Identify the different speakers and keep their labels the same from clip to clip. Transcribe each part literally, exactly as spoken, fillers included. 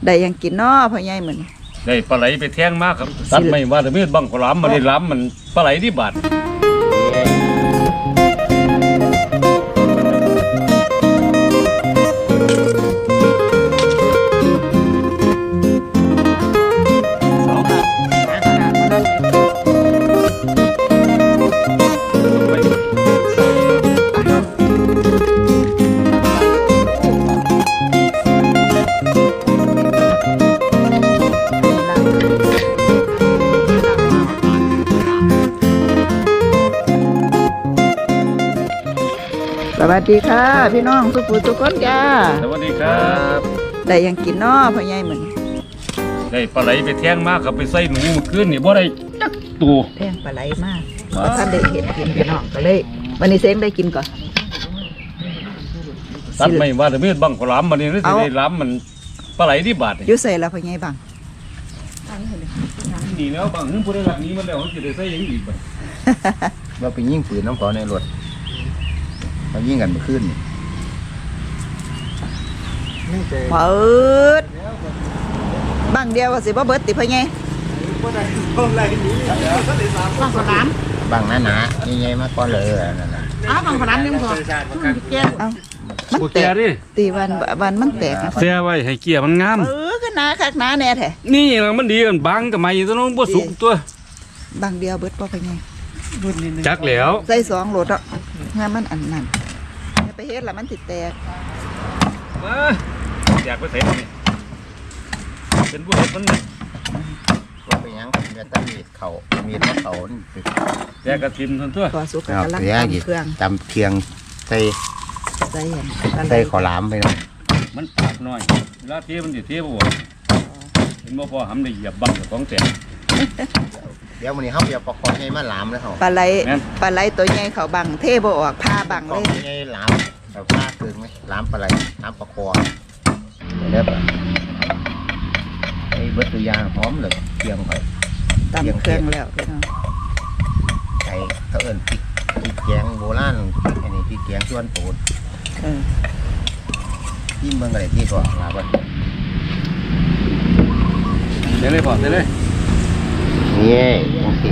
Speaker 1: ได้ยังกินน้อพ่อใหญ่เหมือน
Speaker 2: ได้ปลาไหลไปแท่งมากครับตัดไม่ว่าแต่มีดบังขลามมาได้ล้ำมันปลาไหลที่บาด
Speaker 1: สวัสดีค่ะพี่น้องทุกผู้ทุกคนจ้า
Speaker 2: สวัสดีครับ
Speaker 1: ได้ยังกินน้อพ่อใหญ่เหมือน
Speaker 2: ได้ปลาไหลไปแท่งมากครับไปใส่หนูขึ้นนี่บ่ได้จักตัว
Speaker 1: แท่งปลาไหลมากท่านได้เห็นกินพี่น้องก็เลยวันนี้เซ้งได้กินก่อน
Speaker 2: ตัดไม่ว่าแต่มีดบังขลามมานี่ได้ล้ำมันปลาไหลที่บาด
Speaker 1: ยุ่ใส่แล้วพ่อใหญ่บัง
Speaker 2: นี่แล้วบางนึงผู้ได้หลักนี้มันแล้วจะได้ใส่ยังอีกไป
Speaker 3: เราไปยิงปืนน้ำขอในรถเรายิงกันเมื่อคืน
Speaker 1: เปิดบังเดียวว่าสิบ่เบิดติพ่อใหญ่
Speaker 4: บังขนาม
Speaker 3: บังหนาหนาใหญ่ๆมาก่อนเลยนั่นน่ะ
Speaker 4: อ้าวบังขนามยังพอเกี่ยว
Speaker 1: เอามันแตกตีวันวันมันแตกนะ
Speaker 2: เสียไว้ให้เกียร์มันงาม
Speaker 1: เออขึ้นหนาคักหนาแน่แท้
Speaker 2: นี่มันดีกันบังกับไม้ตัวน้องบ่สุกตัว
Speaker 1: บังเดียวเบิดบ่พ่อใหญ่
Speaker 2: จักแล้ว
Speaker 1: ใส่สองโหลดอ่ะงานมันอันนั้นไปเฮ็ดละมันติดแตก
Speaker 2: อยากไปเสร็จนี่เป็นผู้เห็ดมันนี่
Speaker 3: ก็ไปยังเมียตะมีดเขามีดมะเขา
Speaker 2: แยกกระทิมทั้งตัว
Speaker 1: ก็สุกกำลังตำเครื่อง
Speaker 3: ตำเคียงใส่
Speaker 1: ใส่
Speaker 3: ใส่ขอหลามไปหน่อย
Speaker 2: มันปากหน่อยเวลาเทียบมันจะเทียบบ่เห็นบ่พอทำได้เหยียบบังของแตก
Speaker 3: เดี๋ยววันนี้เขาจะประกอบให้มาหลามแล้วเขา
Speaker 1: ปลาไหลปลาไหลตัวใหญ่เขาบังเทบ่ออกผ้าบังเลย
Speaker 3: ใหญ่หลามแบบผ้าตึงไหมหลามปลาไหลหลามประคอเดี๋ยวไอ้เบิร์ตยางหอมเลยเคียงไป
Speaker 1: ตำเครื่องแล้วพี่น้อง
Speaker 3: ไอ้เขาเอิ้นพริกพริกแกงโบราณอันนี้พริกแกงส่วนโปรดที่เมืองอะไรที่ก่อนลาบ้าน
Speaker 2: เดี๋ยวเลยพอเดี๋ยวเลย
Speaker 3: นี่โอเค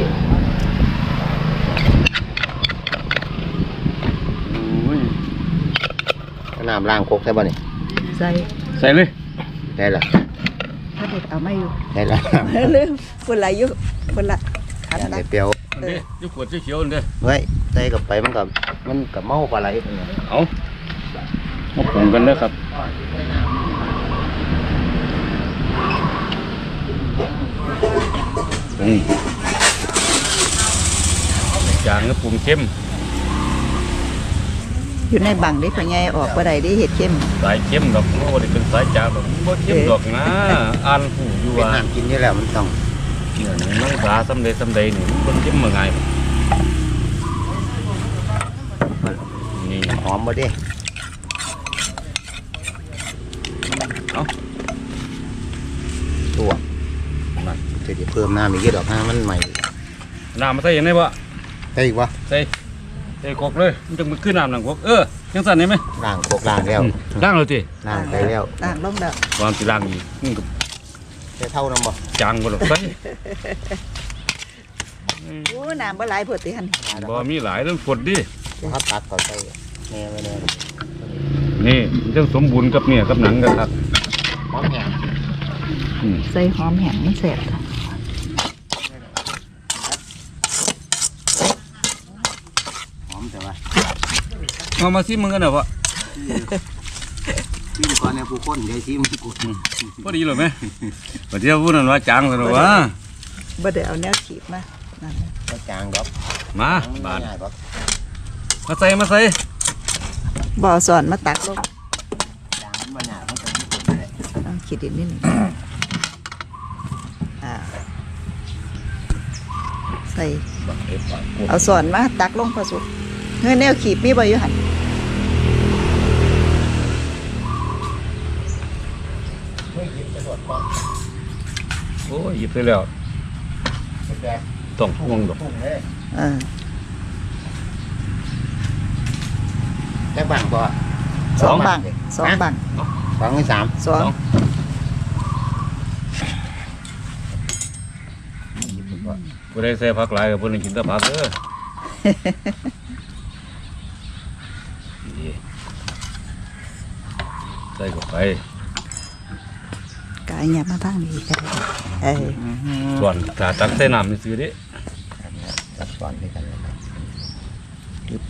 Speaker 3: น้ำล้างโคกใช่ป่ะนี่
Speaker 1: ใส่
Speaker 2: ใส่เลย
Speaker 3: ได้ละ
Speaker 1: ถ้าเด็กเอาไม่อยู่
Speaker 3: ได้ละ
Speaker 1: ลืมคนละยุคนละ
Speaker 3: อันนี้เปรี้ยว
Speaker 2: เด้ยุขวดเขียวเด้
Speaker 3: เฮ้ยใส่กับไปมันกับมันกับเมาปลาไหล
Speaker 2: เอามาปรุงกันเลยครับปรุงจางก็ปรุงเข้ม
Speaker 1: อยู่ในบังได้พ่อใหญ่ออกบ่ได้ได้เห็ดเข้ม
Speaker 2: สายเข้มดอกโอ้ได้เป็นสายจางดอกบ่เข้มดอกนะอ่านผู้อยู่ว่า
Speaker 3: น้ำกินนี่แหละมันต้อง
Speaker 2: เนี่ยน้องสาสำเร็จสำเร็จนี่คนเข้มมาไง
Speaker 3: นี่หอมบ่ดิ
Speaker 2: เอา
Speaker 3: ตัวมันจะเพิ่มน้ำอีกเยอะดอกห้ามันใหม่
Speaker 2: น้ำมาใส่ยังไงบ่
Speaker 3: ใส่อีกวะ
Speaker 2: ใส่ใส่โคกเลยมันจะมันขึ้นน้ำหลังโคกเออยังสั่นได้ไหม
Speaker 3: ล้างโคกล้างแล้ว
Speaker 2: ล้างเลยที
Speaker 3: ล้างไปแล้ว
Speaker 1: ล้างลงแล้ว
Speaker 2: ความสิล้างอีกนี่ก็
Speaker 3: จะเท่าน้ำบ่
Speaker 2: จางบ่หรอกใส่
Speaker 1: โอ้น้ำบ่หลายพอดีฮั่น
Speaker 2: บ่มีหลายเรื่องฝนดิ
Speaker 3: เขาตักต่อใส่แน่ไปเลย
Speaker 2: นี่เรื่องสมบูรณ์กับเนี่ยกับหนังกันครับ
Speaker 3: หอมแห้ง
Speaker 1: ใส่หอมแห้งมันแซ่บค่ะ
Speaker 3: หอมแต่ว่า
Speaker 2: เอามาซิมึงกันเหรอวะ
Speaker 3: ซิมก่อนเนี่ยผู้คนใหญ่ซิมกู
Speaker 2: พอดีเลยไหมพอดีพูดนั่นว่าจางเลยว่า
Speaker 1: บ่ได้เอาแนวขีดมานั่น
Speaker 3: ก็จางดอก
Speaker 2: มาบาดมาใส่มาใส่
Speaker 1: บ่อสอนมาตักลง
Speaker 3: จางมันหนาเขาจะ
Speaker 1: ต้องขีดนิดนึงอ่าใส่เอาสอนมาตักลงพอสุกเฮ้ยแนวขีดมีบ่อยู่หั่น
Speaker 2: โอ้ยหยิบไปแล้วต้องห่วงดอก
Speaker 1: อ่า
Speaker 3: แค่บังบ่
Speaker 1: สองบังสองบัง
Speaker 3: สองหรือสาม
Speaker 1: สอง
Speaker 2: บ่ได้ใส่ผักหลายกับเพิ่นกินแต่ผักเด้อนี่ใส่เข้าไป
Speaker 1: กายเนี่ยมาทางนี้ก็ได้เออ
Speaker 2: ส่วนถ้าตักใส่น้ำนี่ซื้อเด้
Speaker 3: ตัดก่อนด้วยกันเลยครับยึบ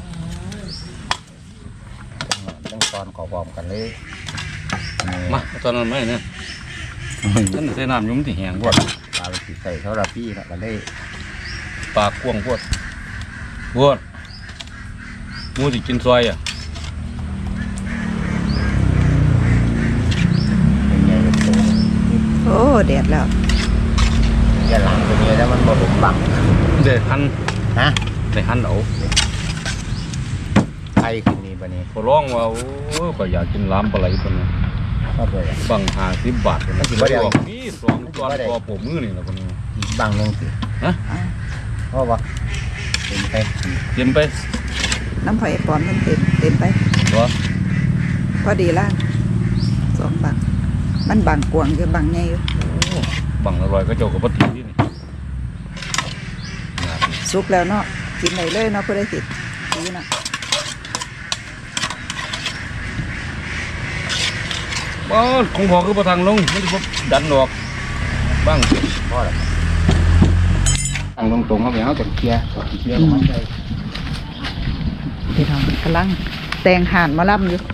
Speaker 3: ต้องตอนขอพร้อมกันเลย
Speaker 2: มาตอนนั้นไม่เนี่ยนั่นใส่น้ำอยุ่มนที่แห้งพวด
Speaker 3: ปลาสีใส่เท่าไรพี่นะกันเลย
Speaker 2: ปลากกวางพวดพวดหมูที่กินซอยอ่ะ
Speaker 3: เป็นไงเป็นตัว
Speaker 1: โอ้แดดแล้ว
Speaker 3: อย่าหลังตัวนี้แล้วมันบ่หลุมบัง
Speaker 2: เด็ดหั่น
Speaker 3: นะ
Speaker 2: ได้หั่นเอา
Speaker 3: ไทยขึ้นนี่ปะนี่
Speaker 2: พอร้องว่าโอ้ยก็อยากกินล้ำปลาไหลคนนี้
Speaker 3: ชอบเลย
Speaker 2: บังห้าสิบบาทคนนี้
Speaker 3: บ่ได้
Speaker 2: บอกนี่สองตอนพอผมมือนี่แหละคนนี้
Speaker 3: อีกบังหนึงสิ
Speaker 2: ฮะ
Speaker 3: เพราะว่าเป็นไป
Speaker 2: กินไป
Speaker 1: น้ำไผ่ปอนมันเต็มเต็มไป
Speaker 2: ตัว
Speaker 1: พอดีล่างสองบังมันบังกวางอยู่บังใหญ่อยู่
Speaker 2: บังอร่อยก็เจ้ากับปฏิที่นี่
Speaker 1: สุกแล้วเนาะกินได้เลยเนาะเพื่อได้ติดดีเนาะ
Speaker 2: บ้านของพอคือประทังลงไม่ได้พบดันหรอกบ้าง
Speaker 3: เพราะอะไรตั้งตรงๆเขาไปเขาจะเคลียร์เคลียร์ออกมาได้
Speaker 1: พี่น้องกำลังแตงห่านมาล่ำอยู่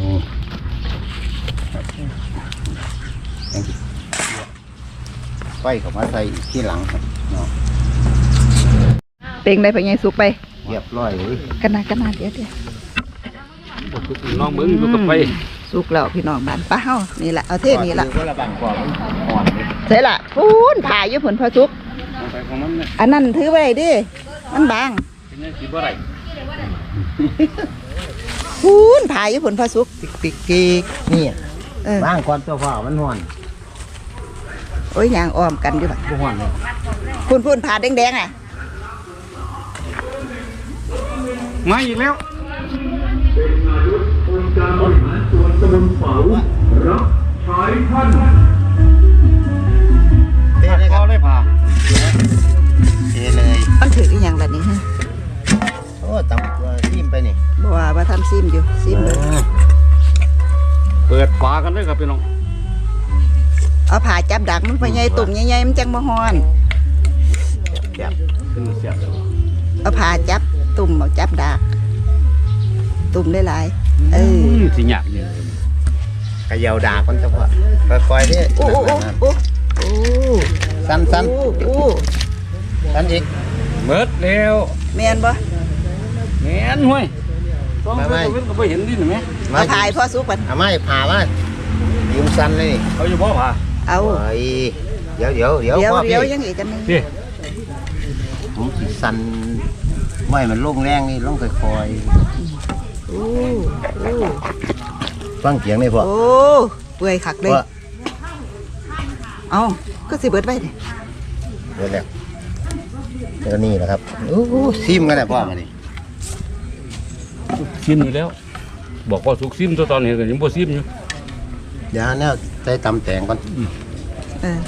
Speaker 3: ไฟเขามาใส่อีกที่หลังครับเนาะ
Speaker 1: เต็งได้ไปไงสุกไป
Speaker 3: เรียบร้อยเลย
Speaker 1: กันนากันนาเดี๋ยวเดี๋ยว
Speaker 2: น้องเบิ้งอยู่กับไป
Speaker 1: สุกแล้วพี่น้องบ้านป้าเฮานี่แหละเอาเท่นี้ละ
Speaker 3: ก็ระบังกว่ามันอ่อนเลย
Speaker 1: ใช่ละพูนผ่าอยู่ผลพอสุก
Speaker 2: เอาไปของมันเนี่ย
Speaker 1: อันนั้นถือไว้ดิมันบาง
Speaker 2: เป็นยังสิบ่ได้
Speaker 1: พูนผ่าอยู่ผลพอสุก
Speaker 3: ติ๊กติ๊กกิ๊กนี่
Speaker 1: เออ
Speaker 3: บ้างก่อนตัวพ่อมันห่อน
Speaker 1: โอ้ยยางอ้อมกันอยู่บ่
Speaker 3: บ่ห่อนเลย
Speaker 1: พูนพูนผ่าแดงๆอ่ะ
Speaker 2: มาอีกแล้ว
Speaker 3: เทเลยค
Speaker 2: ก็
Speaker 3: รับ
Speaker 2: ได้ผ่า
Speaker 3: เทเลย
Speaker 1: มันถืออีหยังล่ะนี่ฮะ
Speaker 3: โอ้ตำตัวทิมไปนี่
Speaker 1: บ่ว่าว่าทำซิมอยู่ซิมเลย
Speaker 2: เปิดฝากันเลยครับพี่น้อง
Speaker 1: เอาผ่าจับดักมันไปใหญ่ตุ่มใหญ่ๆมันจังบ่ฮ้อน
Speaker 3: แซ่บ
Speaker 2: ขึ้นเสียบเลย
Speaker 1: เอาผ่าจับตุ่มเอาจับดักตุ่มได้หลายๆเออ
Speaker 2: สิหยาบเนี่ย
Speaker 3: กระเยาวดาคนตัวพ่อค่อยๆเด้
Speaker 1: โอ้โอ้โอ้โอ้โอ้
Speaker 3: สั้นสั้น
Speaker 1: โอ้โอ้
Speaker 3: สั้นอีก
Speaker 2: เบิดแล้ว
Speaker 1: แม่นบ่
Speaker 2: แม่นห้วยต้องไปเว้นก็ไปเห็นดินไหม
Speaker 3: มา
Speaker 1: เอาผ่าให้พ่อสุกก่อน
Speaker 3: เอาไม้ผ่ามายืมสั้นเลยนี่
Speaker 2: เขาอยู่บ่ผ่า
Speaker 1: เอา
Speaker 3: เฮ้ยเดี๋ยวเดี๋ยวเดี๋ยว
Speaker 1: เดี๋ยว
Speaker 3: พ่อ
Speaker 1: เดี๋
Speaker 3: พี่
Speaker 1: ยวยังอีกกันหนึง
Speaker 2: พี่
Speaker 3: ผมสิสั้นไม่มันลงแรงนี่ลงค่อย
Speaker 1: โอ้โอ้
Speaker 3: ๆฟังเสียงนี่พ่อ
Speaker 1: โอ้เปื่อยคักเลย
Speaker 3: พ่อ
Speaker 1: เอาก็สิเบิดไว้ดิ
Speaker 3: เดี๋ยวแล้วเดี๋ยวนี่แหละครับโอ้โหซิมกันแหละพ่อมาดิ
Speaker 2: ซิมอยู่แล้ว บอกว่าสุกซิมตัวตอนเห็นกันยังบ่ซิมอยู่
Speaker 3: เดี๋ยวเนี่ยใส่ตำแตงก่อน
Speaker 1: เออ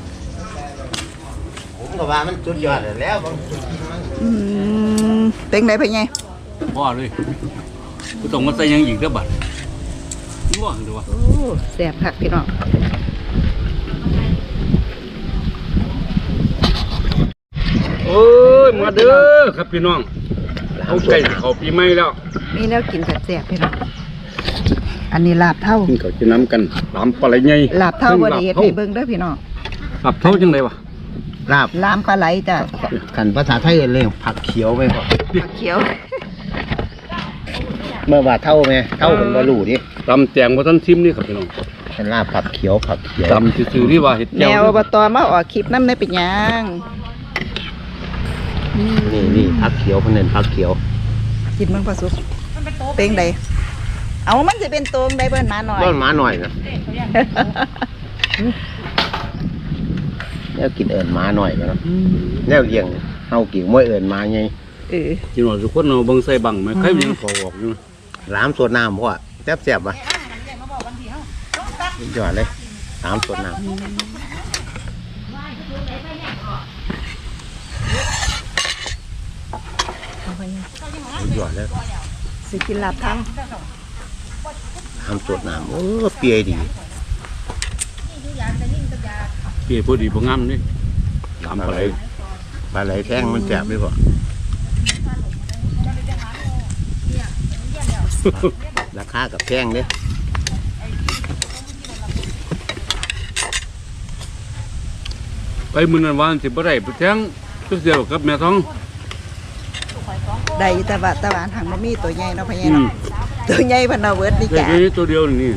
Speaker 3: ผมก็ว่ามันสุดยอดแล้วบาง
Speaker 1: อืมเป็นไงเป็นไง
Speaker 2: พ่อเลยกูต้องมาใส่ยังอีกเด้อบัดง่วงดูว่า
Speaker 1: โอ้แซ่บคักพี่น้อง
Speaker 2: โอ้ยมาเด้อครับพี่น้องเอาไก่เขาปีใหม่แล้ว
Speaker 1: มีแนวกินแซ่บๆพี่น้องอันนี้ลาบเท่า
Speaker 2: กินเขาจะน้ำกันลามปลาไหลใหญ่
Speaker 1: ลาบเท่าบ่ได้เฮ็ดให้เบิ่งเด้อพี่น้อง
Speaker 2: ลาบเท่าจังไดวะ
Speaker 3: ลาบ
Speaker 1: ลามปลาไหลจ้ะ
Speaker 3: ขันภาษาไทยเอิ้นเลยผักเขียวไปพ่อ
Speaker 1: ผักเขียว
Speaker 3: เมื่อว่าเท่าไหมเท่าเป็นบาลูดิ
Speaker 2: ตำแจงบ่ทันซิมนี่ครับพี่น้อง
Speaker 3: เป็นลาบผักเขียวผักเขียว
Speaker 2: ตำซื่อๆที่ว่าเห็ด
Speaker 1: แน
Speaker 2: แก้ว
Speaker 1: วอบตมาออกคลิปนำได้เป็นหยัง
Speaker 3: นี่นี่ผักเขียวเพิ่นเน้นผักเขียว
Speaker 1: กินมันพอสุกเป็นไดเอามันสิเป็นตัวใดเบิ่นมาหน่อย
Speaker 3: ต้นหมาหน่อยนะแล้วกินเอิญหมาหน่อยกันเนาะแล้วเลี้ยงเฮากิ่งมวยเอิญหมาไง
Speaker 1: เออ
Speaker 2: กินว่าทุกคนเอาเบิ่งใส่บังไหมใครมันยังขอออกอยู่
Speaker 3: หลามสดน้ำพ่อแซ่บแซ่บๆปะสุดยอดเลยหลามสดน้ำ
Speaker 1: เอาไปยัง
Speaker 3: หยอดแล้ว
Speaker 1: สิกินลาบเท้า
Speaker 3: ทำสดน้ำโอ้เปียดี
Speaker 2: เกี่ยพอดีพองามนี่ลำปลาไหล
Speaker 3: ปลาไหลแท่งมันแสบไหมพ่อราคากับแพงเด้
Speaker 2: ไปมื้อนั้นวานสิบ่ได้ไปแทงตึกเดียวกับแม่ท้อง
Speaker 1: ได้แต่ว่าแตะวันทางบ่มีตัวใหญ่เนาะพ่อใหญ่
Speaker 2: อืม
Speaker 1: เนาะตัวใหญ่เพิ่นเอาเบิดนี่
Speaker 2: ได้
Speaker 1: จ้ะ
Speaker 2: แค่นี้ตัวเดียวนี่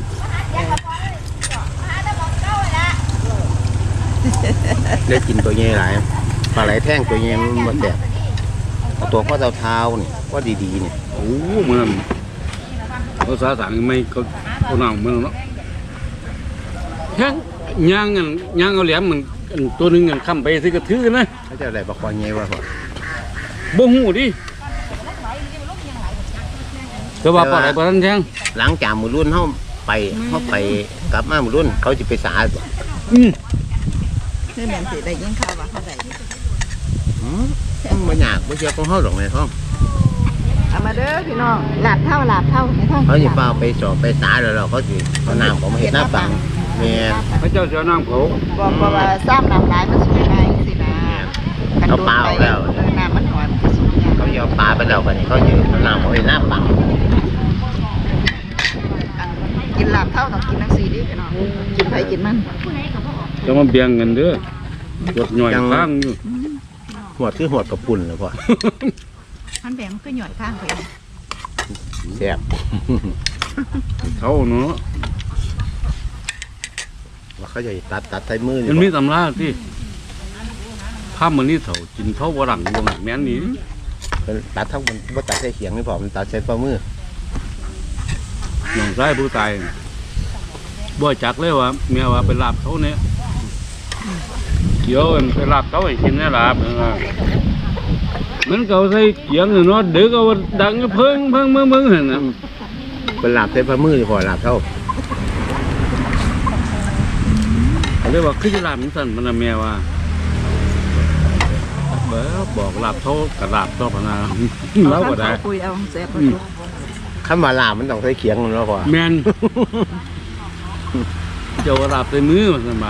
Speaker 3: ได้กินตัวใหญ่หลายปลาไหลแท่งตัวใหญ่มันบ่แสบเอาตัวข้อเท้าๆนี่ก็ดีๆนี่
Speaker 2: โอ้มื้อนั้นภาษาต่างไม่เขาเขานำมื้อนั้นเนาะแทงย่างกันย่างเอาแหลมมันอันตัวหนึงกันค้ำไปซื้อกระทือนะ
Speaker 3: เขาจะอะไรปลาคอใหญ่วะพ่อ
Speaker 2: บ่ฮู้ดิแต่ว่าปลาไหลปลาทันแทง
Speaker 3: หลังจากมือรุ่นเขาไปเขาไปกลับมามือรุ่นเขาจะไปสาบ่
Speaker 2: อืม
Speaker 1: นี่แม่นสิได้ยินข่าวว่าเขาได้
Speaker 3: อืมมันยากไม่เชื่อของเขาหรอกในท้อง
Speaker 1: เอามาเด้อพี่น้องลาบเท่าลาบเท่าในท้อง
Speaker 3: เขาจะเปล่าไปสอบไปสาแล้วเราเขาสิเขาน้ำเขามาเห็นหน้าปังแม่
Speaker 2: พระเจ้าเสียน้ำเขา
Speaker 1: บอกบอกว่าซ้ำน้ำลายมันสูงไงสินะกันโดนไปเออน้ำมันหอนมันสูงไง
Speaker 3: เขาจะเอาปลาไปแล้วกันเขาจะเขาน้ำเขาเห็นหน้าปัง
Speaker 1: กินลาบเท่าต้องกินทั้งสี่ดิพี่น้องกินไผกินมัน
Speaker 2: จะมาเบียงกันเด้อปวดหน่อยข้างอยู่
Speaker 3: หัวคือหัวกระปุ่นเลยพ่อ
Speaker 1: มันแบ่งก็หย่อยข้างไป
Speaker 3: แซ่บ
Speaker 2: เขาเนาะ
Speaker 3: ว่าเขาจะตัดตัดใช้มือ
Speaker 2: มันมีตำราที่ภาพมันนี่เถากินเท่าวรังวงแม่นนี้
Speaker 3: ตัดทั้งมันว่าตัดใช้เขียงนี่พอมันตัดใช้ฝ่ามือ
Speaker 2: น้องชายผู้ตายบ่จักเลยว่าเมียว่าไปลาบเขาเนี่ยเกี่ยวกันไปลาบเขาให้กินนะลาบมันเขาใส่เกียงเนาะเด็กเอาดังเพิ่งเพิ่งเพิ่งเพิ่งเห็นนะ
Speaker 3: เป็นหลับใช้ฝ่ามือพอหลับเท่า
Speaker 2: เขาเรียกว่าคือจะลาบมันสั่นมันนะเมียว่าเบ้อบอกลาบเขากับลาบเขาพนาเราก็ได้
Speaker 1: คุยเอาแซ่บ
Speaker 3: คำว่าหลาบมันต้องใช้เขียงมันแล้วพอ
Speaker 2: แมนเจ้าลาบใส่มือมันสั่นบ่า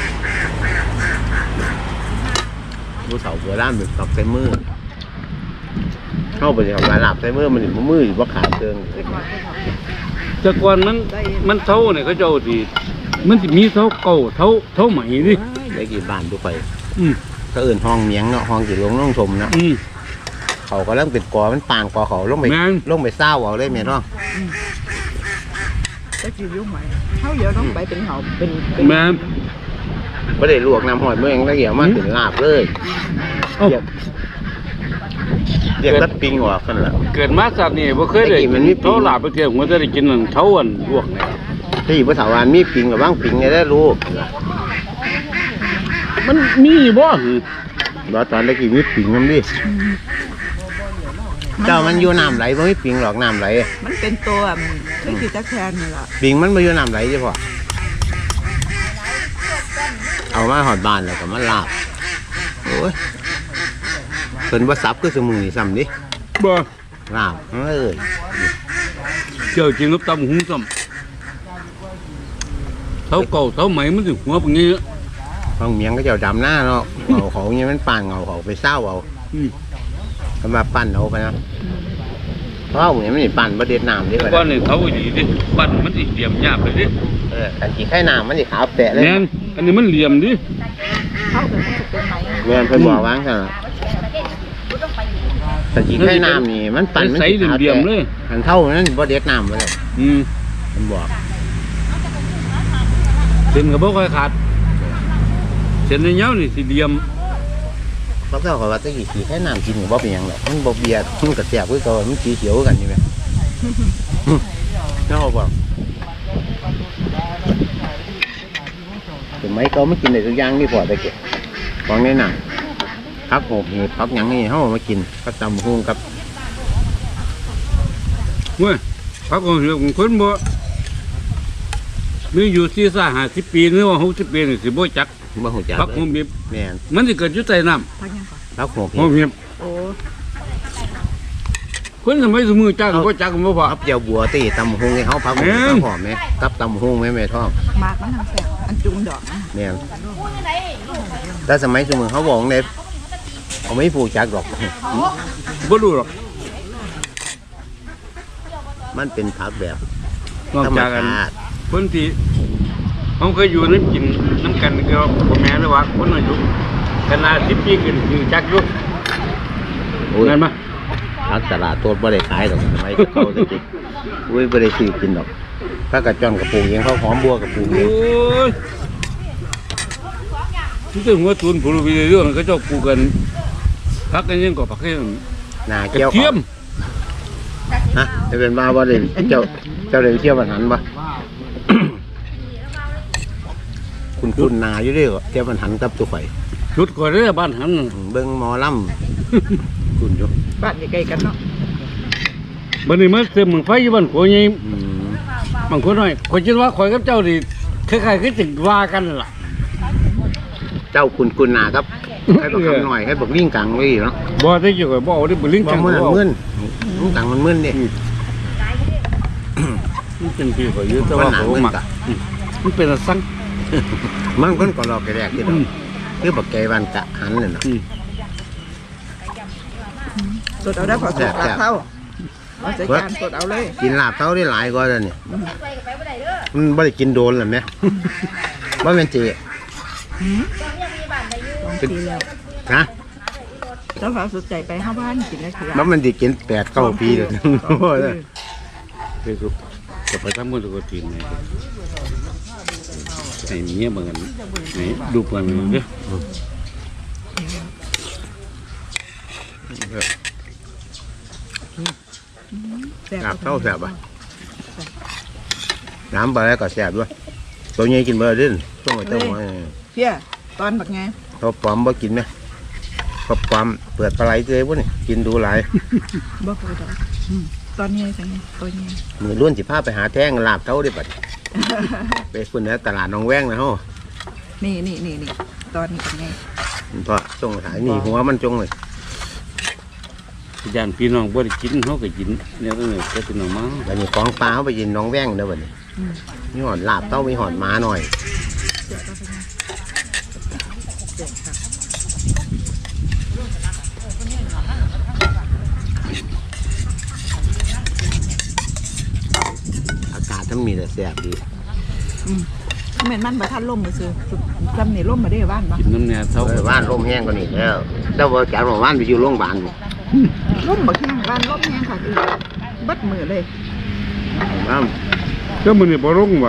Speaker 3: ผู้เฒ่าโบราณเป็นตัดใช้มือเข้าไปทำลายหลับใช้มือมันอยู่มืออยู่ว่าขาเชิง
Speaker 2: แต่ก่อนมันมันเท่าเนี่ยเขาเจ้าที่มันจะมีเท่าเก่าเท่าเท่าใหม่ดิ
Speaker 3: ได้กี่บ้านทุกไป
Speaker 2: อืม
Speaker 3: ก็เอื่นห้องเมียงเนาะห้องกี่ลงน้องชมเนาะ
Speaker 2: อืม
Speaker 3: เขาก็เริ่มเป็นกอมันปางกอเขาลงไป
Speaker 2: แม่น
Speaker 3: ลงไปเศร้าเอาเลยแม่น้อง
Speaker 1: จะกินยุ่งไหมเขาเดี๋ยวต้องไปเป็นเหาเป็นเป็น
Speaker 2: แม่น
Speaker 3: ไม่ได้ลวกน้ำหอยเมื่อยังละเอียดมากถึงลาบเลย
Speaker 2: เอ้า
Speaker 3: เรียกเรียกตัดปิงหัวกันละ
Speaker 2: เกิดมาจากนี่บ่เคยได้
Speaker 3: ไอ้กินมันมีปี
Speaker 2: เท่าลาบไปเที่ยวผมจะได้กินนั่นเท่าอันลวกเนี่ย
Speaker 3: ที่ภาษาวานมีปิงกับบ้างปิงเนี่ยได้รู้
Speaker 2: มันมีบ่
Speaker 3: ว่าตอนได้กี่มีปิงมันดิเจ้ามันอยู่น้ำไหลบ่มีปิงหรอกน้ำไหล
Speaker 1: มันเป็นตัวคือสิตะแคงนี่ล่ะ
Speaker 3: ปิงมันมาอยู่น้ำไหลใช่ปะเอามาหอดบ้านแล้วก็มาลาบโอ้ยเพิ่นว่าซับคือสมุนซ้ำดิ
Speaker 2: บ่
Speaker 3: ลาบเอ้ย
Speaker 2: เจ้ากินกับตำหุงซ้ำเท่าเก่าเท่าใหม่มันสิหัวปานนี้
Speaker 3: ห้องเมียงก็เจ้าดำหน้าเนาะเอาเขาเนี่ยมันปั่นเอาเขาไปเศร้าเอา
Speaker 2: อืม
Speaker 3: ก็มาปั่นเอาไปนะเพราะว่าเนี่ยมันนี่ปั่นประเด็ดน้ำดิ
Speaker 2: แต่ก่อนนี่เท่าดีดิปั้นมันสิเหลี่ยมยากเลยดิ
Speaker 3: เออกันกี่ไข่น้ำมันสิขาวแปะเลย
Speaker 2: แม่นอันนี้มันเหลี่ยมดิ
Speaker 1: เขาเป็นมันจะเป็นไหม
Speaker 3: เงินเพิ่นบอกวางซะล่ะแต่กี่ไข่น้ำนี่มันปั่นมัน
Speaker 2: ใส
Speaker 3: สิขาว
Speaker 2: เหลี่ยม
Speaker 3: แปะ
Speaker 2: ๆเลย
Speaker 3: อันเท่านั้นประเด็ดน้ำไปเลย
Speaker 2: อืม
Speaker 3: มันบอก
Speaker 2: เส้นก็บ่ค่อยขาดเส้นยาวๆนี่สิเหลี่ยม
Speaker 3: เพราะเจ้าเขาว่าตะกี้กี่ไข่น้ำกินกับบ่เป็นหยังหรอกมันบ่เบียดมันกระแสบคือเก่ามันสีเขียวกันนี่แหละเนาะเขาบอกถึงไหมเขาไม่กินได้ทุกอย่างนี่พอตะเกียบของในหนังพักโหบเห็ดพักหยังนี่เขาเอามากินก็ตำหุ้งกับ
Speaker 2: เว้ยพักของเหือของคนบ่มีอยู่ที่ซ่าห้าสิบปีหรือว่าหกสิบปีนี่สิบ่จัก
Speaker 3: บ่หูจัก
Speaker 2: พัก
Speaker 3: เล
Speaker 2: ของ
Speaker 3: ย
Speaker 2: บีบ
Speaker 3: แม่น
Speaker 2: มันสิเกิดอยู่ใต้น้ำ
Speaker 1: พักยังก่อน
Speaker 3: แล้วหัว
Speaker 2: โอ้
Speaker 3: เห็ด
Speaker 2: เงียบ
Speaker 1: โอ้
Speaker 2: คนสมัยสมือจักก็จักบ่พอ
Speaker 3: เอาเจียวบัวตีตำหงให้เขาพักห
Speaker 2: แม่
Speaker 3: มู
Speaker 2: น
Speaker 3: หอมไหมกับตำหงไหมแม่ท้อง
Speaker 1: มากมันทางแสบอันจุงดอกนะ
Speaker 3: เนี่ยแต่สมัยสมือเขาบอกเนี่ยเขาไม่ผูกจักหรอก
Speaker 2: บ่รู้หรอก
Speaker 3: มันเป็นผักแบบ
Speaker 2: นอก
Speaker 3: ธรรม
Speaker 2: จากกัน
Speaker 3: ชาติ
Speaker 2: คนที่เขาเคยอยู่น้ำกินน้ำกันก็พ่อแม่หรือว่าคนอายุขนาดสิบปีขึ้นคือจักอยู่
Speaker 3: โอ้ย
Speaker 2: นั่นมั้ย
Speaker 3: ผักตลาดโทษบ่ได้ขายหรอกสมัยเขาจะกินอุ้ยบ่ได้ซื้อกินหรอกถ้ากระจอนกระปูเองเขาหอมบัวกระปูเอ
Speaker 2: โอ้
Speaker 3: ง
Speaker 2: ยที่ถึงว่าทุนผู้รู้วิเรื่องเขาเจ้าปลูกกันพักกันยังก็พักกัน
Speaker 3: หน้าก
Speaker 2: ระ
Speaker 3: เกี่ยว
Speaker 2: เทียม
Speaker 3: ฮะจะเป็นมาบ่ได้เจ้าเจ้าได้เที่ยวบ้านหันบ่ คุณคุณนาอยู่เด้อเที่ยวบ้านหันกับตัวข่อย
Speaker 2: ชุดก่อนเด้อบ้านหัน
Speaker 3: อืมเบิ่งหมอลำ คุณอยู่
Speaker 1: บ้านใกล้ๆกันเนาะ
Speaker 2: บัดนี้มาเติมมึงไฟอยู่บ้านขัวใหญ่
Speaker 3: อืม
Speaker 2: บางคนน้อยคนคิดว่าข่อยกับเจ้านี่คล้ายๆคือสิว่ากันล่ะ
Speaker 3: เจ้าคุณคุณนาครับให้บอกคำหน่อยให้บอกลิงกังไว้เนาะ
Speaker 2: บ่ได้เกี่ยวกับบ่เอาได้บ่ลิง
Speaker 3: บอ
Speaker 2: จั
Speaker 3: ก
Speaker 2: ง
Speaker 3: มัน
Speaker 2: บ่
Speaker 3: มึนลิงกังมันมึนดิ
Speaker 2: มันเป็นพี่ข่อยอยู่แต่ว่า
Speaker 3: มันหนา
Speaker 2: เขา
Speaker 3: มึน
Speaker 2: มัก
Speaker 3: กะ
Speaker 2: อืมมันเป็นอะสัง
Speaker 3: มันคนก็รอแกแรกที่
Speaker 2: อื
Speaker 3: เรา
Speaker 2: ม
Speaker 3: คือบอกแกวันกะหันเนี่ยเนาะ
Speaker 2: อืม
Speaker 1: สดเอาได้พอสุกลาบเท่าเอาใส่จานสดเอาเลย
Speaker 3: กินลาบเท่าได้หลายกว่าแล้วเนี่ยมันไม่ได้กินโดนหรอเนี่ยว่าเป็นเจ
Speaker 1: สองปีแล้ว
Speaker 3: นะ
Speaker 1: เจ้าสาวสุดใจไปห้าบ้านกินได้คือ
Speaker 3: มันมันได้กินแปดเก้าปีเลย
Speaker 2: ไปสุกก็ไปทำมือตัวจีนนี่ไอ้เมียบางอันนี่ดูเพิ่นเด้อ
Speaker 1: แซ่บ
Speaker 3: ลาบเท่าแสบอ่ะน้ำปลาแล้วก็แสบด้วยตัวใหญ่กินเบอร์ดิ้นต้องไปเต้าหัว
Speaker 1: เพี้ยตอนบักไง
Speaker 3: เขาปลอมบ่กินไหมเขาปลอมเปิดปลาไหลเจอวะนี่กินดูหลาย
Speaker 1: บ่เคยดอกอืมตอนนี้ใช่ไหมตัวนี้
Speaker 3: มือล้วนสิพาไปหาแท่งลาบเท่าได้ปัด ไปฝุ่นแล้วตลาดหนองแว้งนะฮะ
Speaker 1: นี่นี่นี่นี่ตอนนี้เป็นไง
Speaker 3: เพราะจงหายนี่หัวมันจงเลย
Speaker 2: ญาติพี่น้องบ่ได้กินเฮาก็กินแล้วก็เนี่ยก็พี่น้องมา
Speaker 3: แล้วนี่ของปลาเขาไปยินหน้องแว้งเด้อบัดนี้
Speaker 1: อืม
Speaker 3: มีหอดลาบเต้ามีหอดหม้าหน่อย
Speaker 1: เดี๋ยวก็เป็นไงเดี๋ยวค่ะ
Speaker 3: อากาศทั้งมีแต่แสบดี
Speaker 1: อืมเหม็นมันประทันล่มมาซื้อจำนี่ล่มมาได้บ้านปะ
Speaker 2: กินน้ำเนี่ยเท่า
Speaker 3: เออว่านลมแห้งกว่านี้แล้วแล้วว่าจากว่านไปอยู่โรงพยาบาลอยู่
Speaker 1: ล่มบักแห้งบ้านล่มแห้งค่ะคือบัดมือเลย
Speaker 3: ว่า
Speaker 2: ก็มื้อนี้บ่ลงว่ะ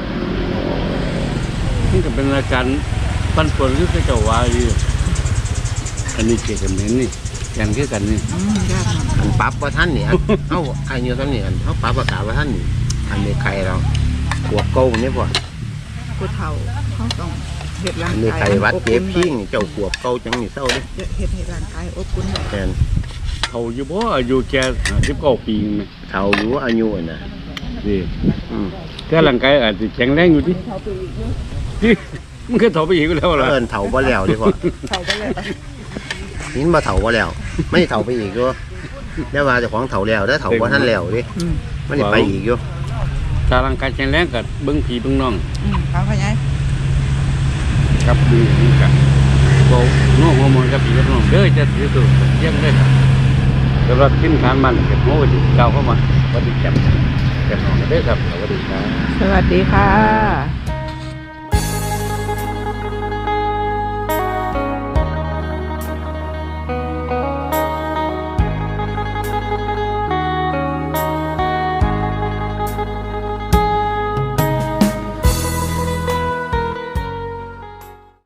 Speaker 2: มันก็เป็นอาการปั่นป่วนคือเขาเจ้าว่าอยู่อันนี้เกี่ยวกับนี่กันคือกันนี่
Speaker 1: อืมยากมาก
Speaker 3: อันปรับว่าท่านเนี่ยเขาอายุท่านเนี่ยเขาปรับอากาศว่าท่านนี่อันนี้ไข่เราขวบเก่านี่ป่ะ
Speaker 1: ผู้เฒ่าเขาต้องเห็ดร่าง
Speaker 3: อันนี้
Speaker 1: กาย
Speaker 3: ไข่วัด
Speaker 1: อบ
Speaker 3: เจ็
Speaker 1: อุ่
Speaker 3: บ
Speaker 1: น
Speaker 3: พิงเจ้าขวบเก่าจังนี่เศร้าเลย
Speaker 1: เห็ดเห็ดร่างกายอบอุ่นไว้
Speaker 3: แทน
Speaker 2: เขาอยู่บ่อายุแค่สิบเก้าปีนึง
Speaker 3: เฒ่าอยู่อายุน่ะ
Speaker 2: นี่
Speaker 3: อืม
Speaker 2: แต่ร่างกายอาจจะแข็งแรงอยู่ดิที่มันก็เฒ่าไปอีกแล้วล่ะ
Speaker 3: เอินเฒ่าบ่แล้วดีกว่า
Speaker 1: เฒ่าไปเลย
Speaker 3: นี่มาเฒ่าบ่แล้ว ไม่เฒ่าไปอีกด้วยแล้วว่าเจ้าของเฒ่าแล้วแล้วเฒ่าบ่ท่านแล้วดิ
Speaker 1: อืม
Speaker 3: มันสิไปอีกอยู่
Speaker 2: ถ้าร่างกายแข็งแรงก็เบิ่งพี่เบิ่งน้อง
Speaker 1: อืมเขาเขาไง
Speaker 2: กับดูนี่ก็บ่น้องบ่มองกับพี่กับน้องเด้อจะถือตัวเยี่ยมเลยสำหรับทีมงานมันก็โหสิก้าวเข้ามาสวัสดีครับแก่น้องเด้อครับสวัสดีครับ
Speaker 1: สวัสดีค่ะ